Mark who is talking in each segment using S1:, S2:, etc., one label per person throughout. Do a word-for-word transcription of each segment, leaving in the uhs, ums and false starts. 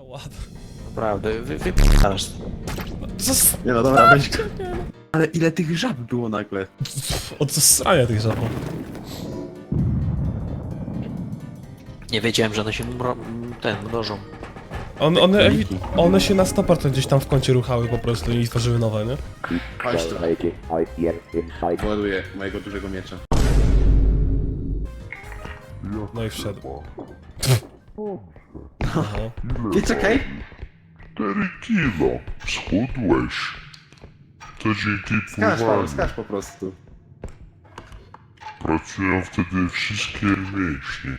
S1: ładno.
S2: Naprawdę, wy, wypadasz.
S1: Zas...
S3: Nie no dobra, weź go. Ale ile tych żab było nagle?
S1: Od zasrania tych żabów.
S2: Nie wiedziałem, że one się mro... ten, mnożą.
S1: On, one, ewi-
S3: króliki.
S1: one się na sto procent gdzieś tam w kącie ruchały po prostu i tworzyły nowe, nie?
S3: Chodź tu. Ładuję mojego dużego miecza.
S1: No i wszedł. Aha.
S3: Nie czekaj!
S4: cztery kilo schudłeś. To dzięki
S3: Skacz Paweł,
S4: pływaniu.
S3: skacz po prostu.
S4: Pracują wtedy wszystkie mięśnie.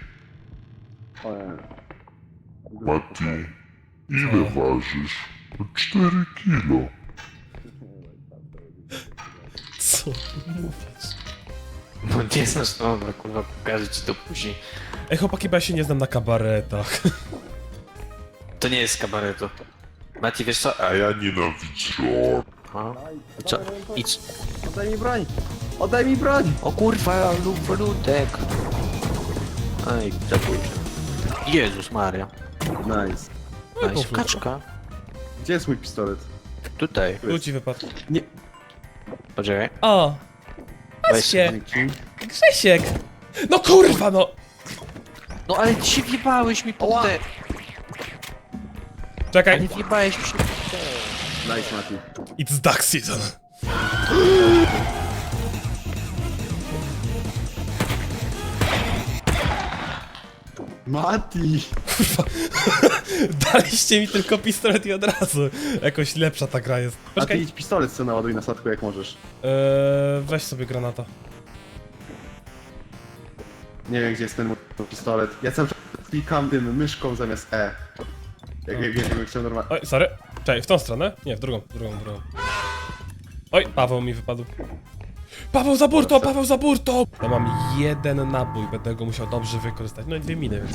S4: Mati, ile ważysz? cztery kilo.
S1: Co ty mówisz?
S2: No nie znasz, no dobra, kurwa, pokażę ci to później.
S1: Ej chłopaki, bo ja się nie znam na kabaretach.
S2: To nie jest kabareto. Mati, wiesz co?
S4: A ja nienawidzę.
S2: A? Co? Idź.
S3: Oddaj mi broń! Oddaj mi broń!
S2: O kurwa, lub ludek. Ej, zabójczy. Jezus Maria.
S3: Nice.
S2: Nice. Kaczka.
S3: Gdzie jest mój pistolet?
S2: Tutaj.
S1: Tu ci wypadł.
S3: Nie.
S2: Poczekaj.
S1: O!
S2: Weź.
S3: Dzięki.
S1: Grzesiek! No kurwa no!
S2: No ale ty się wjebałeś mi pod te...
S1: Czekaj.
S2: Nie wjebałeś mi się pod te...
S3: Nice, Mati.
S1: It's duck season.
S3: Mati!
S1: Daliście mi tylko pistolet i od razu. Jakoś lepsza ta gra jest.
S3: A ty
S1: Poczekaj.
S3: idź pistolet co naładuj na statku jak możesz.
S1: Eee, weź sobie granata.
S3: Nie wiem gdzie jest ten mój pistolet. Ja cały czas klikam tym myszką zamiast E. Jak, jak, jak, jak chciał normalnie.
S1: Oj, sorry. Czekaj, w tą stronę? Nie, w drugą, w drugą, w drugą. Oj, Paweł mi wypadł. Paweł za burtą, Paweł za burtą! Ja mam jeden nabój, będę go musiał dobrze wykorzystać. No i dwie miny, więc...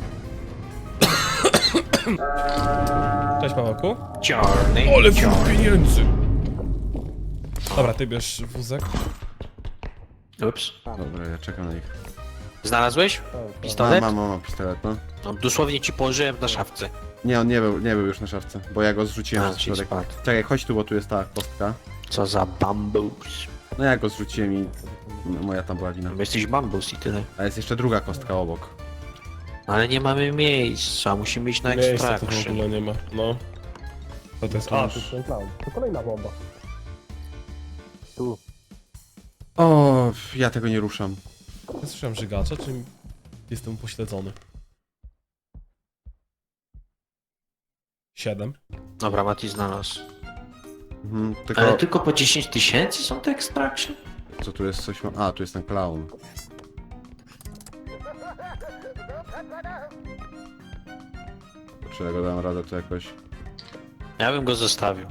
S1: Cześć Pawełku.
S2: Czarny.
S1: Ole
S2: czarny.
S1: wóz pieniędzy! Dobra, ty bierz wózek.
S2: Ups.
S3: Dobra, ja czekam na nich.
S2: Znalazłeś?
S3: Mam,
S2: Pistolet?
S3: mam, mam, mam pistolet, no.
S2: No, dosłownie ci położyłem na szafce.
S3: Nie, on nie był, nie był już na szafce, bo ja go zrzuciłem
S2: A,
S3: na
S2: czyli
S3: środek.
S2: spadł.
S3: Czekaj, chodź tu, bo tu jest ta kostka.
S2: Co za bambus.
S3: No ja go zrzuciłem i no, moja tam była wina.
S2: Bo jesteś bambus i tyle.
S3: A jest jeszcze druga kostka obok.
S2: Ale nie mamy miejsca, musimy iść na
S1: Miejsca tu w
S2: extraction.
S1: ogóle nie ma, no. Co to jest? A, tu jest ten clown. To kolejna bomba.
S3: O, ja tego nie ruszam.
S1: Ja słyszałem żygacza, czy jestem upośledzony? Siedem.
S2: Dobra, Mati znalazł.
S3: Mhm, tylko,
S2: Ale tylko po dziesięć tysięcy są te extraction?
S3: co tu jest coś ma... A, tu jest ten clown. Czy ja go dam radę to jakoś...
S2: Ja bym go zostawił.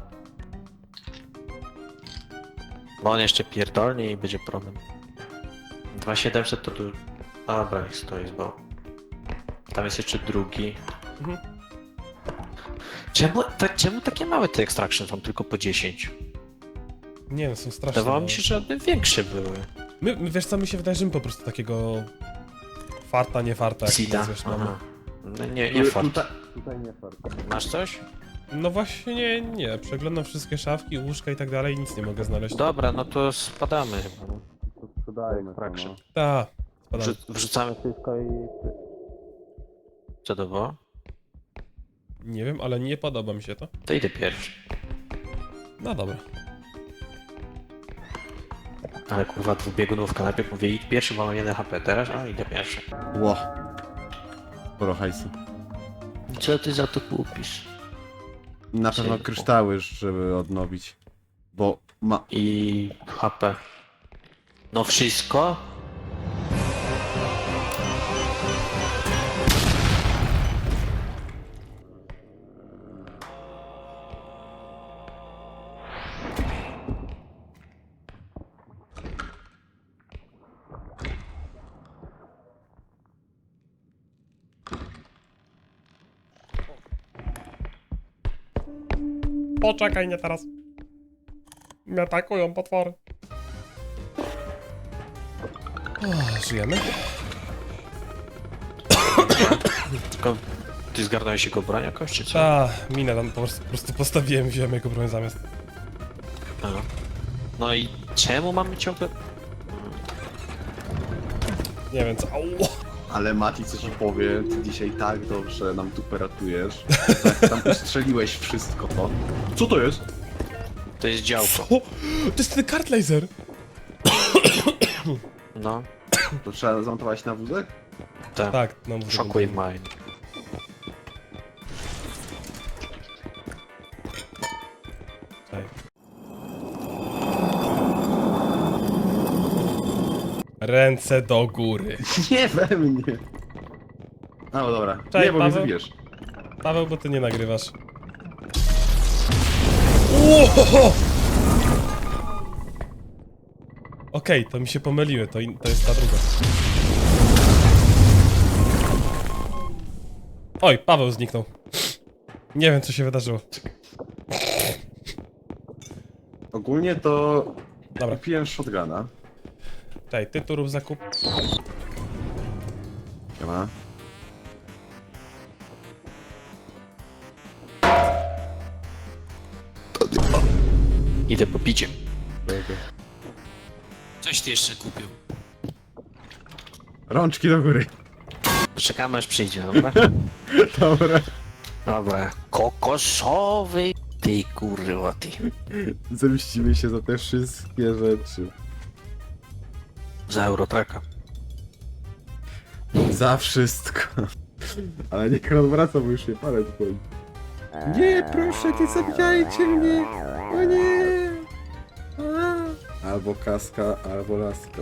S2: Bo on jeszcze pierdolnie i będzie problem. dwa tysiące siedemset to tu... Dobra, niech stoi, bo... Tam jest jeszcze drugi.
S1: Mhm.
S2: Czemu, ta, czemu takie małe te extraction są tylko po dziesięć?
S1: Nie, no są straszne.
S2: Wydawało mi
S1: no.
S2: się, że one większe były.
S1: My, my, wiesz co, mi się wydaje, że my po prostu takiego... Farta, nie farta, jak to
S2: Sida.
S1: nazwiesz, mamy.
S2: Aha. No nie, nie fart.
S3: Tutaj, tutaj nie fart.
S2: Masz coś?
S1: No właśnie nie, nie. Przeglądam wszystkie szafki, łóżka i tak dalej i nic nie mogę znaleźć.
S2: Dobra, no to spadamy chyba. no.
S3: Sprzedajmy to,
S2: Fraction.
S3: no.
S1: Ta, spadamy.
S2: Wrzu- Wrzucamy wszystko i... Co to było?
S1: Nie wiem, ale nie podoba mi się to.
S2: To idę pierwszy.
S1: No dobra.
S2: Ale kurwa dwubiegunówka, najpierw mówię idź pierwszy, bo mam jeden H P, teraz a idę pierwszy.
S3: Ło. Sporo hajsu.
S2: Co ty za to kupisz?
S3: Na pewno
S2: Cienko.
S3: kryształy, żeby odnowić. Bo ma...
S2: I H P. No wszystko?
S1: Poczekaj, nie teraz. Mnie atakują potwory. O, żyjemy?
S2: Tylko ty zgarnąłeś jego broń jakoś, czy co?
S1: Ta, minę tam po prostu, po prostu postawiłem i wziąłem jego broń zamiast.
S2: No. No i czemu mamy ciągle...
S1: Nie wiem co. Au!
S3: Ale Mati, co ci powie, ty dzisiaj tak dobrze nam tu peratujesz. Tak, tam ustrzeliłeś wszystko. To. Co to jest?
S2: To jest działko.
S1: O! To jest ten kart laser!
S2: No,
S3: To trzeba zamontować na wózek?
S2: tak.
S1: Tak, no mówię.
S2: Shockwave mine.
S1: Czekaj. Ręce do góry.
S3: Nie we mnie. A, no dobra.
S1: Cześć,
S3: nie, bo mnie
S1: Paweł.
S3: zabijesz.
S1: Paweł, bo ty nie nagrywasz. Łohoho! Okej, to mi się pomyliły, to, in, to jest ta druga. Oj, Paweł zniknął. Nie wiem, co się wydarzyło.
S3: Ogólnie to
S1: Dobra,
S3: kupiłem shotguna.
S1: czekaj, ty tu rób zakup.
S3: Siema.
S2: Idę po picie.
S3: Dobra.
S2: Coś ty jeszcze kupił.
S3: Rączki do góry.
S2: Czekamy aż przyjdzie, dobra?
S3: Dobra.
S2: Dobra. Kokosowy. Ty kurwa, ty.
S3: Zemścimy się za te wszystkie rzeczy.
S2: Za Eurotraka.
S3: Za wszystko. Ale niech on wraca, bo już nie palec boli. Nie, proszę, nie zabijajcie mnie! O nie! A. Albo kaska, albo laska.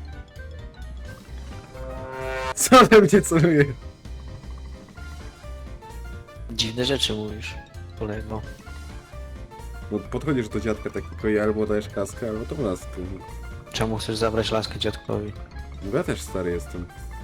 S3: Co we mnie celuje?
S2: Dziwne rzeczy mówisz, kolego.
S3: No podchodzisz do dziadka takiego i albo dajesz kaskę, albo tą laskę.
S2: Czemu chcesz zabrać laskę dziadkowi?
S3: No ja też stary jestem.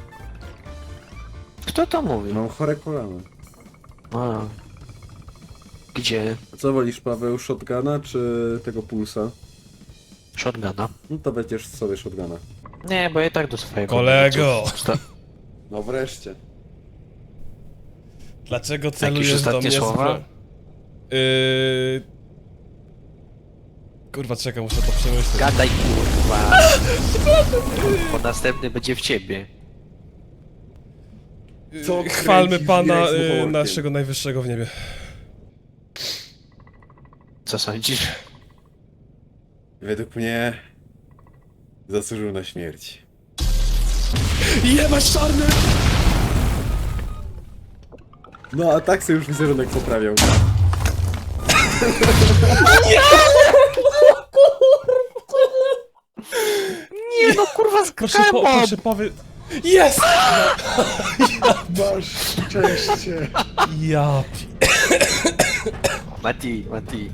S2: Kto to mówi?
S3: Mam chore kolano.
S2: A. Gdzie?
S3: A co wolisz, Paweł, shotguna czy tego pulsa?
S2: Shotguna?
S3: No to będziesz sobie shotguna.
S2: Nie, bo ja i tak do swojego.
S1: Kolego!
S2: Sta-
S3: No wreszcie.
S1: Dlaczego celujesz do
S2: ostatnie
S1: mnie z
S2: słowa?
S1: bro... Yy... Kurwa, czekaj, muszę to przemyśleć.
S2: Gadaj kurwa. Bo następny będzie w ciebie.
S3: Co
S1: Yy, Chwalmy
S3: kręcisz
S1: Pana
S3: jajc
S1: yy,
S3: muchołkiem?
S1: naszego najwyższego w niebie.
S2: Co sądzisz?
S3: Według mnie zasłużył na śmierć.
S1: Jebać czarny!
S3: No a tak sobie już wizerunek poprawiał.
S2: Nie no kurwa
S1: Proszę, po, proszę powie... Jest!
S3: Masz szczęście.
S1: Ja pi...
S2: Mati, Mati.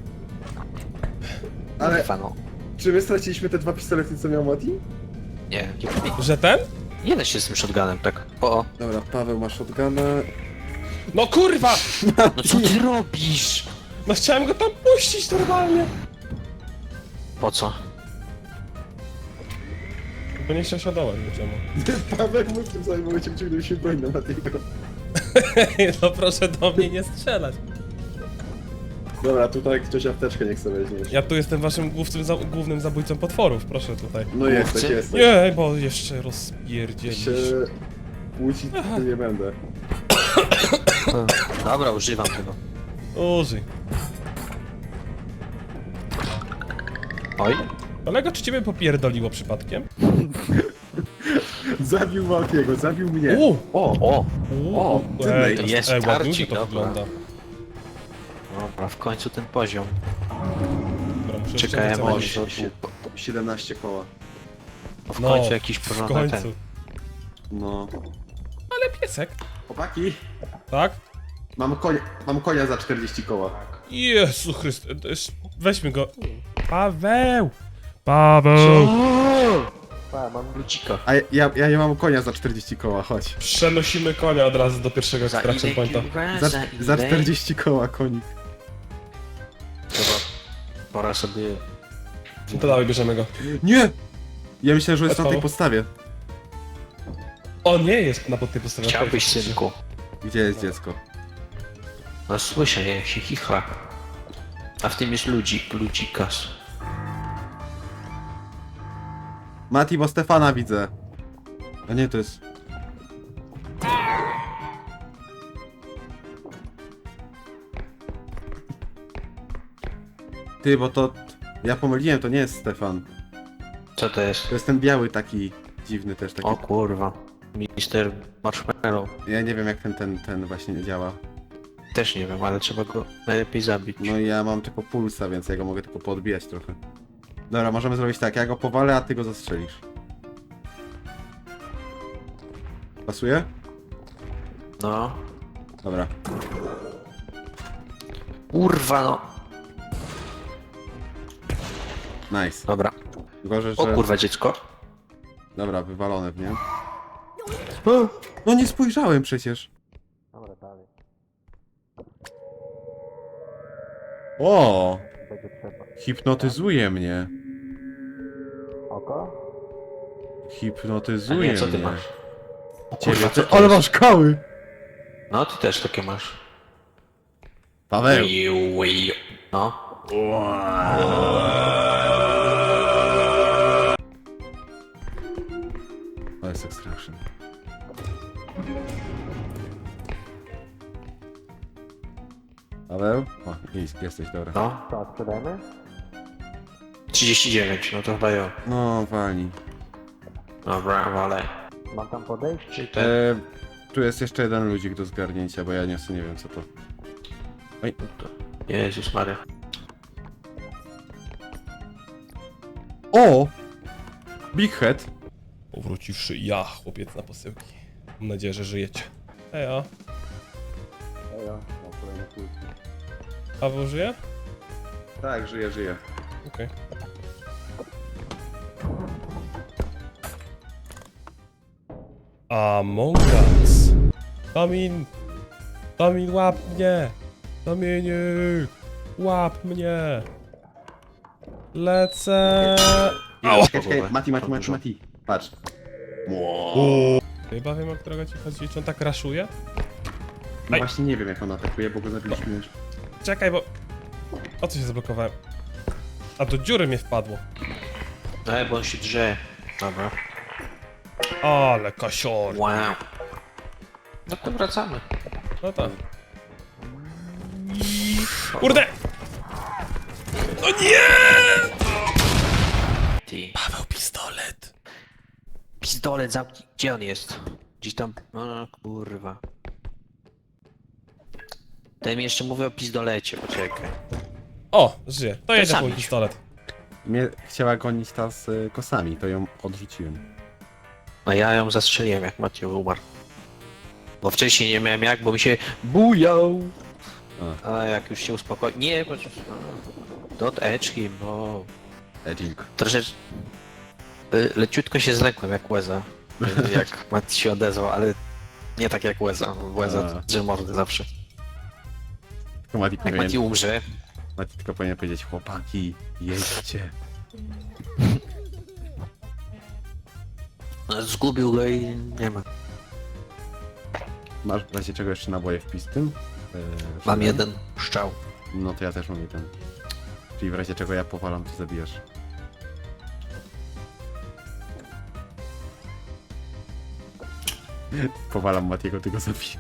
S3: Ale
S2: Kurwa no.
S3: czy my straciliśmy te dwa pistolety, co miał Mati?
S2: Nie, nie,
S1: Że ten?
S2: nie da się z tym shotgunem, tak. O,
S3: Dobra, Paweł ma shotguna.
S1: No kurwa!
S2: no co ty robisz?
S1: No chciałem go tam puścić normalnie.
S2: Po co?
S1: Bo nie chciał się dołać, czemu?
S3: Paweł mógł w tym samym momencie wyciągnąć się broń na Matiego.
S1: No proszę do mnie nie strzelać.
S3: Dobra, tutaj ktoś apteczkę nie chce weźmieć.
S1: Ja tu jestem waszym głównym, za, głównym zabójcą potworów, proszę tutaj.
S3: No jesteś,
S2: Chce?
S3: jesteś.
S1: Nie, bo jeszcze rozpierdzielisz.
S3: Się płucić to nie będę.
S2: Dobra, używam tego.
S1: Użyj.
S2: Oj.
S1: Kolego, czy ciebie popierdoliło przypadkiem?
S3: Zabił Matiego, zabił mnie.
S1: U!
S2: O, o.
S3: O, ty
S1: Ej,
S3: to
S1: to
S2: jest
S1: ej, ładnie
S2: tarcik,
S1: to
S2: dobra.
S1: wygląda.
S2: Dobra, w końcu ten poziom.
S1: Dobra, muszę
S2: Czekaj,
S1: jeszcze
S2: może
S1: wycofać.
S2: tu...
S3: siedemnaście koła.
S2: W
S1: No,
S2: końcu jakiś
S1: w
S2: porządek
S1: końcu.
S2: ten.
S3: No.
S1: Ale piesek,
S3: Chłopaki,
S1: tak?
S3: mam konia, mam konia za czterdzieści koła.
S1: Jezu Chryste, to jest- weźmy go. Paweł! Paweł!
S2: Pa, mam lucika.
S3: A ja, ja nie mam konia za czterdzieści koła, chodź.
S1: Przenosimy konia od razu do pierwszego
S2: Za
S1: extraction
S2: ile
S1: pointa.
S2: kurwa?
S3: Za,
S2: Za
S3: za
S2: ile?
S3: czterdzieści koła konik.
S2: Dobra. Pora sobie...
S1: No to dawaj, bierzemy go.
S3: Nie! Ja myślałem, że jest na tej
S1: Paweł?
S3: podstawie.
S1: O, nie jest na pod tej postawie.
S2: Chciałbyś, synku.
S3: Gdzie jest dziecko?
S2: No słyszę, jak się chichla. A w tym jest ludzik, ludzikas.
S3: Mati, bo Stefana widzę. A nie, to jest... Ty, bo to... Ja pomyliłem, to nie jest Stefan.
S2: Co to jest?
S3: To jest ten biały taki dziwny też, taki...
S2: O kurwa. Mister Marshmallow.
S3: Ja nie wiem jak ten, ten, ten właśnie działa.
S2: Też nie wiem, ale trzeba go najlepiej zabić.
S3: No i ja mam tylko pulsa, więc ja go mogę tylko podbijać trochę. Dobra, możemy zrobić tak, ja go powalę, a ty go zastrzelisz. Pasuje?
S2: No.
S3: Dobra.
S2: Kurwa no.
S3: Nice.
S2: Dobra.
S3: Gorzej,
S2: O
S3: że...
S2: kurwa dziecko.
S3: Dobra, wywalone w nie. No nie spojrzałem przecież.
S2: Dobra, dalej.
S3: O!
S2: Będzie trzeba.
S3: Hipnotyzuje mnie.
S2: Oko? A
S3: Hipnotyzuje
S2: nie, co ty
S3: mnie.
S2: masz? O
S3: Ciebie,
S2: kurwa, co
S3: ty...
S2: to
S3: Ale
S2: jest?
S3: masz kały!
S2: No ty też takie masz.
S3: Paweł!
S2: Wiu, wiu. No.
S3: To jest extraction. Paweł? O, jest, jesteś, dobra.
S2: No. To sprzedajemy? trzydzieści dziewięć, no to chyba ja.
S3: No, walnij.
S2: Dobra, ale. Mam tam podejść, czy ten?
S3: E, tu jest jeszcze jeden ludzik do zgarnięcia, bo ja nie, nie wiem co to. Oj,
S2: Jezus Maria.
S3: o! Big Head!
S1: Powróciwszy ja, chłopiec na posyłki. Mam nadzieję, że żyjecie. Ejo. Paweł żyje?
S3: Tak, żyje, żyje.
S1: Okej. Among Us. Tomin! Tomin, łap mnie! Tomieniu! Łap mnie! Lecę! Ała!
S3: Czekaj, czekaj, Mati, Mati, Mati, Mati. Patrz.
S1: Chyba wiem, o którego ci chodzi. Czy on tak raszuje?
S3: No
S1: Aj.
S3: właśnie nie wiem jak on atakuje, bo go zabiliśmy już.
S1: Czekaj, bo... O co się zablokowałem? A do dziury mnie wpadło.
S2: No, bo on się drze. Dobra.
S1: Ale kasior.
S2: Wow. No to wracamy.
S1: No tak. Kurde! No nie!
S2: Ty.
S1: Paweł, pistolet.
S2: Pistolet zamknij. Gdzie on jest? Gdzieś tam. O kurwa. Ten mi jeszcze mówi o pistolecie, poczekaj.
S1: O, żyje. To jedzie
S2: sam
S1: mój
S2: idź.
S1: pistolet.
S3: Mnie chciała gonić ta z y, kosami, to ją odrzuciłem.
S2: No ja ją zastrzeliłem jak Matthew umarł. Bo wcześniej nie miałem jak, bo mi się bujał.
S3: A.
S2: A jak już się uspokoi... Nie, bo... Dot edge him, bo...
S3: Edging.
S2: Troszeczkę... y, Leciutko się zlekłem jak Łeza. y, Jak Matt się odezwał, ale... Nie tak jak Łeza. Łeza
S3: A.
S2: drze mordy zawsze.
S3: Tylko Mati
S2: Jak
S3: powinien,
S2: Mati umrze...
S3: Mati tylko powinien powiedzieć, chłopaki, jedźcie.
S2: no, Zgubił go i nie ma.
S3: Masz w razie czego jeszcze naboje w pistym? Yy,
S2: Mam
S3: żeby-
S2: jeden szczał.
S3: No to ja też mam jeden. Czyli w razie czego ja powalam, to zabijasz. Powalam Matiego, ty go zabijesz.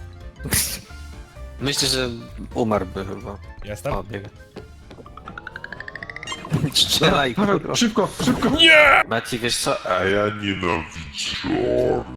S2: Myślę, że umarłby chyba.
S1: Jestem?
S2: O, biega. Strzelaj, kurwa.
S3: Szybko, szybko!
S1: Nie!
S2: Maci, wiesz co?
S4: A ja nienawidzę.